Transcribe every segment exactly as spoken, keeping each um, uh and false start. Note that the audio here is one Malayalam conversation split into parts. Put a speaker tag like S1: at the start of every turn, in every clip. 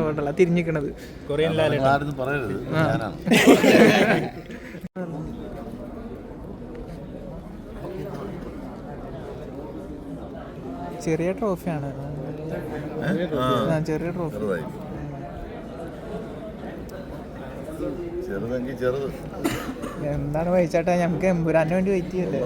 S1: കൊണ്ടല്ല തിരിഞ്ഞിക്കണത്.
S2: കൊറിയൻ ലാലേട്ടൻ പറയരുത്.
S1: ചെറിയ ട്രോഫിയാണ്, ചെറിയ ട്രോഫി. എന്താണ് വഹിച്ചാട്ടാ, ഞമ്മക്ക് എമ്പുരാന് വേണ്ടി വെയിറ്റ് ചെയ്യല്ലേ.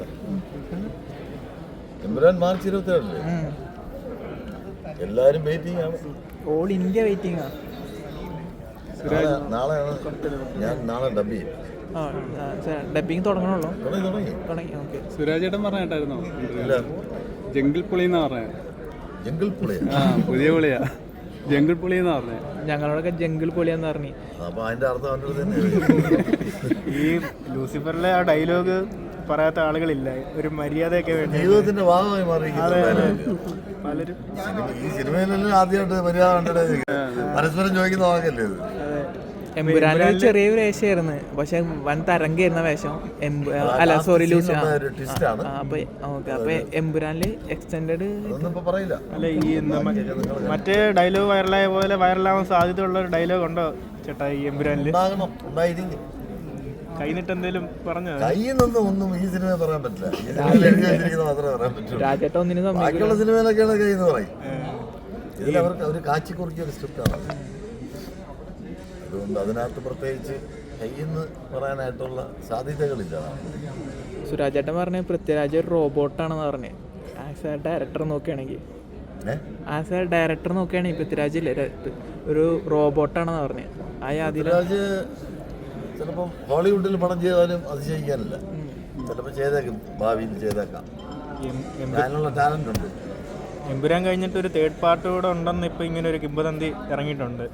S3: എമ്പുരാൻ മാർച്ച് ഇരുപത്തേഴല്ലേ, എല്ലാരും വെയിറ്റിംഗ് ആണ്.
S1: ഓൾ ഇന്ത്യ വെയിറ്റിംഗ് ആണ്.
S3: നാളെയാണ് ഞാൻ നാളെ ഡബ് ചെയ്യും.
S1: ഡബിങ് തുടങ്ങണുള്ളൂ.
S3: തുടങ്ങി.
S1: ഓക്കെ.
S4: സുരാജേട്ടൻ പറഞ്ഞിട്ടായിരുന്നോ ജംഗിൾ പുളി എന്ന് പറഞ്ഞ?
S3: ജംഗിൾ പുളി
S4: ആ പുതിയ പുളിയാ, ജംഗിൾ പുളി എന്ന് പറഞ്ഞേ.
S1: ഞങ്ങളോടൊക്കെ ജംഗിൾ പുളിയാന്ന് പറഞ്ഞു.
S3: അപ്പൊ അതിന്റെ അർത്ഥം തന്നെ
S2: ഈ ലൂസിഫറിലെ ആ ഡയലോഗ് പറയാത്ത ആളുകളില്ല, ഒരു മര്യാദയൊക്കെ വേണ്ടി
S3: ജീവിതത്തിന്റെ ഭാഗമായി മാറി
S2: പലരും.
S3: ഈ സിനിമയിലെല്ലാം ആദ്യമായിട്ട് മര്യാദ കണ്ടിട്ട് പരസ്പരം ചോദിക്കുന്ന വാക്കല്ലേ ഇത്.
S1: എമ്പുരാന് ചെറിയ വേഷമായിരുന്നു, പക്ഷെ വൻ തരംഗായിരുന്ന വേഷം. അല്ല സോറി ലൂസ്. അപ്പൊ ഓക്കെ, അപ്പൊ എമ്പുരാനില് എക്സ്റ്റൻഡഡ്
S3: പറയില്ല.
S2: അല്ല ഈ മറ്റേ ഡയലോഗ് വൈറലായ പോലെ വൈറലാവാൻ സാധ്യതയുള്ള ഒരു ഡയലോഗ് ഉണ്ടോ ചേട്ടാ ഈ എമ്പുരാനില്? കൈനിട്ട് എന്തേലും പറഞ്ഞോ?
S3: കൈന്നൊന്നും ഒന്നും ഈ സിനിമ പറയാൻ പറ്റില്ല. മാത്രമേ പറയാൻ പറ്റൂ.
S1: രാജേട്ട ഒന്നിനും
S3: ബാക്കിയുള്ള സിനിമയിലൊക്കെയാണ് കൈ എന്ന് പറയും. ഇതിൽ അവർക്ക് അവർ കാച്ചി കുറിക്കിയ ഒരു സ്ക്രിപ്റ്റാണ്, അതുകൊണ്ട് അതിനകത്ത് പ്രത്യേകിച്ച് കൈന്ന് പറയാനായിട്ടുള്ള സാധ്യതകളില്ല.
S1: സുരാജേട്ടൻ പറഞ്ഞ പൃഥ്വിരാജ് ഒരു റോബോട്ടാണെന്ന് പറഞ്ഞ്. ആസ് എ ഡയറക്ടർ നോക്കുകയാണെങ്കിൽ ആസ് എ ഡയറക്ടർ നോക്കുകയാണെങ്കിൽ പൃഥ്വിരാജ് ഇല്ലേ ഒരു റോബോട്ടാണെന്ന് പറഞ്ഞ്. ആ പൃഥ്വിരാജ്
S3: ചിലപ്പം ഹോളിവുഡിൽ പടം ചെയ്താലും അതിശയിക്കാനില്ല. ചിലപ്പോൾ ചെയ്തേക്കും, ഭാവിയിൽ ചെയ്തേക്കാം. അതിനുള്ള ടാലന്റ് ഉണ്ട്.
S2: എമ്പുരാൻ കഴിഞ്ഞിട്ട് ഒരു തേർഡ് പാർട്ട് കൂടെ ഉണ്ടെന്ന് ഇപ്പൊ ഇങ്ങനെ ഒരു കിംവദന്തി ഇറങ്ങിയിട്ടുണ്ട്.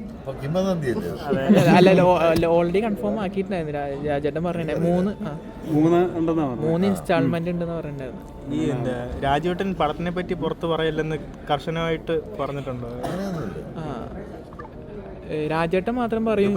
S1: അല്ല ഓൾറെഡി കൺഫേം ആക്കിയിട്ടുണ്ടായിരുന്നു. രാജേട്ടൻ പറഞ്ഞിട്ടുണ്ടായി മൂന്ന് മൂന്ന് ഇൻസ്റ്റാൾമെന്റ് ഉണ്ടെന്ന് പറഞ്ഞിട്ടുണ്ടായിരുന്നു.
S2: ഈ എന്താ രാജേട്ടൻ പടത്തിനെ പറ്റി പുറത്ത് പറയില്ലെന്ന് കർശനമായിട്ട് പറഞ്ഞിട്ടുണ്ടോ?
S1: ആ രാജേട്ടൻ മാത്രം പറയും.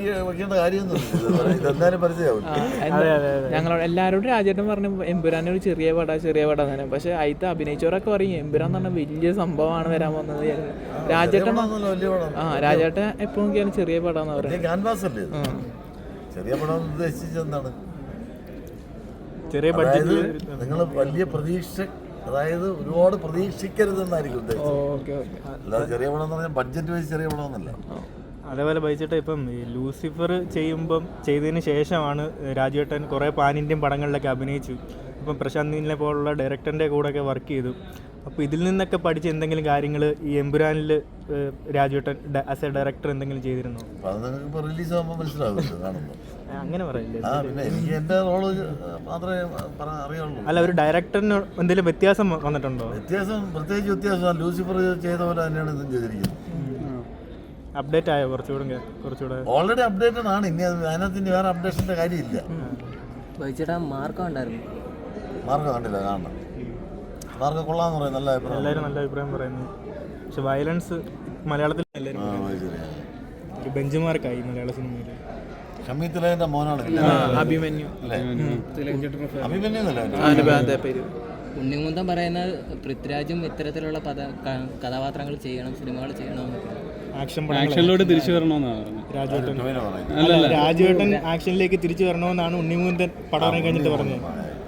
S1: ഞങ്ങളോട് എല്ലാവരോടും രാജേട്ടൻ പറഞ്ഞു എമ്പുരാൻ ഒരു ചെറിയ പട ചെറിയ പട തന്നെ. പക്ഷെ അതിൽ അഭിനയിച്ചവരൊക്കെ പറയും എമ്പുരാൻ എന്ന് പറഞ്ഞാൽ വലിയ സംഭവമാണ് വരാൻ പോകുന്നത്. രാജേട്ടൻ ആ രാജേട്ടൻ എപ്പോഴും നോക്കിയാലും ചെറിയ പടാന്ന് പറയുന്നത്.
S3: ചെറിയ പടം ഉദ്ദേശിച്ചത് എന്താണ്?
S2: ചെറിയ ബഡ്ജറ്റ്.
S3: നിങ്ങൾ വലിയ പ്രതീക്ഷ, അതായത് ഒരുപാട് പ്രതീക്ഷിക്കരുതെന്നായിരിക്കും ഉദ്ദേശിച്ചത്. അല്ലാതെ ചെറിയ പടം എന്ന് പറഞ്ഞാൽ ബഡ്ജറ്റ് വെച്ച് ചെറിയ പടമൊന്നുമല്ല.
S2: അതേപോലെ ബൈച്ചേട്ടാ ഇപ്പം ഈ ലൂസിഫർ ചെയ്യുമ്പം ചെയ്തതിന് ശേഷമാണ് രാജേട്ടൻ കുറേ പാൻ ഇന്ത്യൻ പടങ്ങളിലൊക്കെ അഭിനയിച്ചു. ഇപ്പം പ്രശാന്ത് നീലിനെ പോലുള്ള ഡയറക്ടറിൻ്റെ കൂടെയൊക്കെ വർക്ക് ചെയ്തു. അപ്പോൾ ഇതിൽ നിന്നൊക്കെ പഠിച്ച എന്തെങ്കിലും കാര്യങ്ങൾ ഈ എമ്പുരാനിൽ രാജേട്ടൻ ആസ് എ ഡയറക്ടർ എന്തെങ്കിലും ചെയ്തിരുന്നോ?
S3: റിലീസ് ആകുമ്പോൾ മനസ്സിലാകുമല്ലോ കാണുമ്പോൾ.
S2: അങ്ങനെ പറയില്ലേ?
S3: എനിക്ക് എൻ്റെ റോള് മാത്രമേ അറിയാവുള്ളൂ.
S2: അല്ല ഒരു ഡയറക്ടറിന് എന്തെങ്കിലും വ്യത്യാസം വന്നിട്ടുണ്ടോ?
S3: വ്യത്യാസം പ്രത്യേകിച്ച് വ്യത്യാസം ലൂസിഫർ ചെയ്ത പോലെ തന്നെയാണ് ഇതും ചെയ്തിരിക്കുന്നത്.
S2: അപ്ഡേറ്റ് ആയോ കുറച്ചുകൂടെ? കുറച്ചുകൂടെ
S3: ഓൾറെഡി അപ്ഡേറ്റഡ് ആണ്. ഇനി അതിനകത്ത് ഇനി വേറെ അപ്ഡേഷൻ്റെ കാര്യമില്ല.
S1: മാർക്കം ഉണ്ടായിരുന്നു.
S3: മാർക്കം കണ്ടില്ല, കാണണം. മാർക്കം കൊള്ളാന്ന് പറയും, നല്ല അഭിപ്രായം.
S2: എല്ലാവരും നല്ല അഭിപ്രായം പറയുന്നു. പക്ഷെ വയലൻസ് മലയാളത്തിൽ ഒരു ബെഞ്ച് മാർക്കായി മലയാള സിനിമയിൽ.
S3: ഷമീ തിലകന്റെ മോനാണ്
S1: അഭിമന്യു.
S3: അഭിമന്യു
S5: ഉണ്ണിമുന്തൻ പറയുന്ന പൃഥ്വിരാജും ഇത്തരത്തിലുള്ള കഥാപാത്രങ്ങൾ ചെയ്യണം, സിനിമകൾ ചെയ്യണം,
S4: ആക്ഷനിലോട്ട് തിരിച്ചു വരണമെന്നാണ്
S2: രാജേട്ടൻ. രാജേട്ടൻ ആക്ഷനിലേക്ക് തിരിച്ചു വരണമെന്നാണ് ഉണ്ണിമുന്തൻ പടം ഇറങ്ങി കഴിഞ്ഞിട്ട് പറഞ്ഞത്.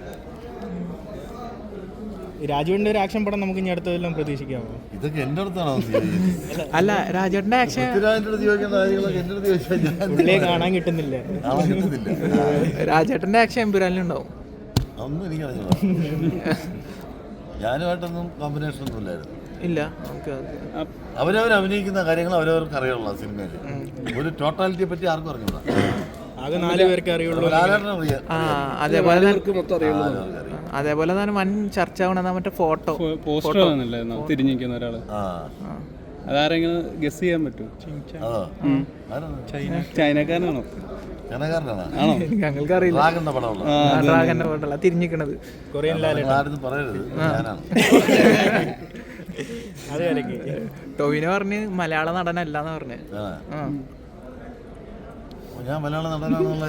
S2: രാജുവിന്റെ ഒരു ആക്ഷൻ പടം നമുക്ക് ഇനി അടുത്തതെല്ലാം പ്രതീക്ഷിക്കാമോ?
S3: ഇതൊക്കെ എന്റെ അടുത്താണോ?
S1: അല്ല രാജേട്ടന്റെ ആക്ഷൻ
S2: പുള്ളിയെ കാണാൻ കിട്ടുന്നില്ല.
S1: രാജേട്ടന്റെ ആക്ഷൻ എമ്പുരാനിലുണ്ടാവും.
S3: ഒന്നും എനിക്കറിഞ്ഞില്ല. ഞാനുമായിട്ടൊന്നും കോമ്പിനേഷൻ ഒന്നും ഇല്ലായിരുന്നു.
S1: ഇല്ല.
S3: അവരവർ അഭിനയിക്കുന്ന കാര്യങ്ങൾ അവരവർക്ക് അറിയുള്ളൂ. സിനിമയിൽ ഒരു ടോട്ടാലിറ്റിയെ പറ്റി ആർക്കും അറിഞ്ഞൂടാ.
S2: ആകെ നാല് പേർക്ക് അറിയുള്ളൂ.
S1: അതേപോലെ അതേപോലെ തന്നെ വൻ ചർച്ച ആവണ മറ്റേ ഫോട്ടോ
S4: പോസ്റ്റർ തിരിഞ്ഞിരിക്കുന്ന ഒരാള്. അതാരെങ്കിലും ഗസ് ചെയ്യാൻ പറ്റുമോ? ചൈനക്കാരനാണോ?
S1: ഞങ്ങൾക്ക് അറിയില്ല. ഡ്രാഗന്റെ ഫോട്ടോ തിരിഞ്ഞിക്കണത്.
S2: കൊറിയൻ ലാലേട്ടൻ
S3: പറയരുത്.
S1: ടോവിനോ പറഞ്ഞ് മലയാള നടനല്ലാന്ന് പറഞ്ഞ്.
S3: ഞാൻ മലയാള നടനാണെന്നുള്ള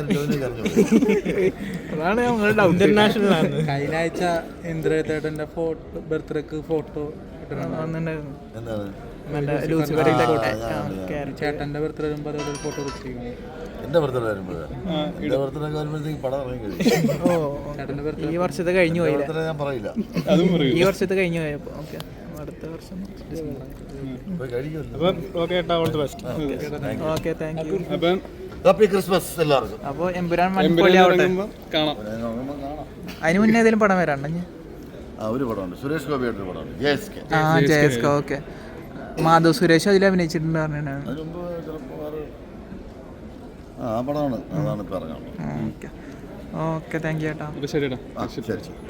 S1: അതാണ് ഞങ്ങളുടെ ഡൗട്ട്.
S2: ഇന്റർനാഷണൽ ആണ്.
S6: കഴിഞ്ഞ ആഴ്ച ഇന്ദ്രേട്ടന്റെ ഫോട്ടോ ബർത്ത്ഡേക്ക് ഫോട്ടോ
S1: വന്നിട്ടുണ്ടായിരുന്നു.
S3: എന്താണ്
S1: മറ്റേ ലൂസിഫറിന്റെ
S2: ചേട്ടൻ്റെ ബർത്ത്ഡേ വരുമ്പോൾ അതോടെ ഫോട്ടോ ചെയ്യണം.
S3: എൻ്റെ ബർത്ത്ഡേ വരുമ്പോഴേ എൻ്റെ ബർത്ത്ഡേ വരുമ്പോഴത്തേക്ക് പടം ഇറങ്ങി കഴിയും.
S1: ഓ ഈ വർഷത്തെ കഴിഞ്ഞു പോയില്ലേ?
S3: ബർത്ത്ഡേ ഞാൻ പറയില്ല,
S1: ഈ വർഷത്തെ കഴിഞ്ഞു പോയപ്പോൾ ഓക്കെ അടുത്ത വർഷം
S3: പോയി കഴിക്കുമല്ലോ.
S2: അപ്പം ഓക്കെ ഏട്ടാ, all the best.
S1: Okay thank you.
S4: അപ്പം
S3: ഹാപ്പി ക്രിസ്മസ് എല്ലാവർക്കും.
S1: അപ്പോൾ എമ്പുരാൻ വൻപൊളി ആവട്ടെ.
S4: കാണാം.
S1: അതിന് മുന്നേ ഏതെങ്കിലും പടം വരാണ്ട
S3: ആ ഒരു പടമുണ്ട്, സുരേഷ് ഗോപിയായിട്ടൊരു പടമുണ്ട്, ജെ എസ് കെ.
S1: ആ ജയസ്ക ഓക്കെ. മാധവ് സുരേഷ് അതിൽ അഭിനയിച്ചിട്ടുണ്ട് പറഞ്ഞിട്ടാണ്.
S3: അതിന് മുമ്പ് ചിലപ്പോൾ വേറെ ആ പടമാണ്, അതാണ് ഇപ്പോൾ ഇറങ്ങാനുള്ളത്.
S1: ഓക്കെ ഓക്കെ താങ്ക് യു ചേട്ടാ.
S4: അപ്പോൾ ശരിടാ.
S3: ആ ശരി ശരി.